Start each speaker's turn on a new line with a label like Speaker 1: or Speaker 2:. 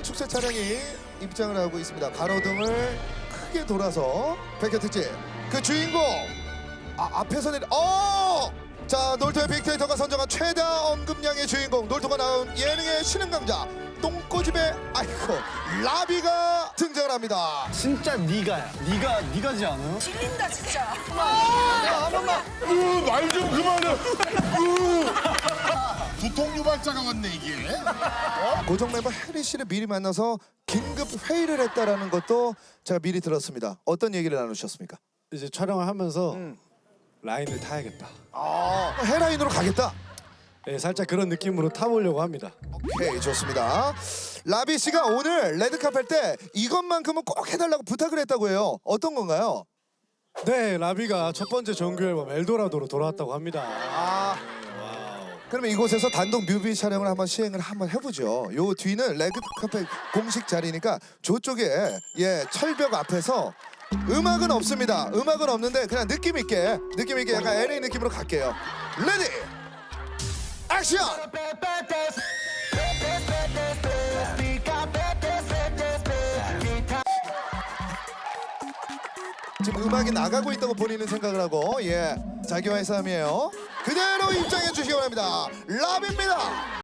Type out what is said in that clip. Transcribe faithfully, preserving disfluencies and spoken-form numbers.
Speaker 1: 축제 차량이 입장을 하고 있습니다. 가로등을 크게 돌아서 백회 특집 그 주인공 아, 앞에서 내려 어! 자 놀토의 빅데이터가 선정한 최다 언급량의 주인공 놀토가 나온 예능의 신흥 강자 똥꼬집의 아이콘 라비가 등장을 합니다.
Speaker 2: 진짜 니가야. 니가 니가지 않아요?
Speaker 3: 질린다 진짜.
Speaker 1: 한 번만.
Speaker 4: 말 좀 그만해. 두통 유발자가 왔네 이게.
Speaker 1: 고정 멤버 해리 씨를 미리 만나서 긴급 회의를 했다라는 것도 제가 미리 들었습니다. 어떤 얘기를 나누셨습니까?
Speaker 2: 이제 촬영을 하면서 라인을 타야겠다.
Speaker 1: 아, 헤라인으로 가겠다.
Speaker 2: 네, 살짝 그런 느낌으로 타보려고 합니다.
Speaker 1: 오케이 좋습니다. 라비 씨가 오늘 레드카펫 때 이것만큼은 꼭 해달라고 부탁을 했다고 해요. 어떤 건가요?
Speaker 2: 네, 라비가 첫 번째 정규 앨범 엘도라도로 돌아왔다고 합니다.
Speaker 1: 아, 그러면 이곳에서 단독 뮤비 촬영을 한번 시행을 한번 해보죠. 요 뒤는 레드카펫 공식 자리니까 저쪽에 예 철벽 앞에서 음악은 없습니다. 음악은 없는데 그냥 느낌 있게 느낌 있게 약간 엘에이 느낌으로 갈게요. 레디 액션! 지금 음악이 나가고 있다고 본인은 생각을 하고 예 자기와의 싸움이에요. 그대로 입장해 주시기 바랍니다. 라비입니다.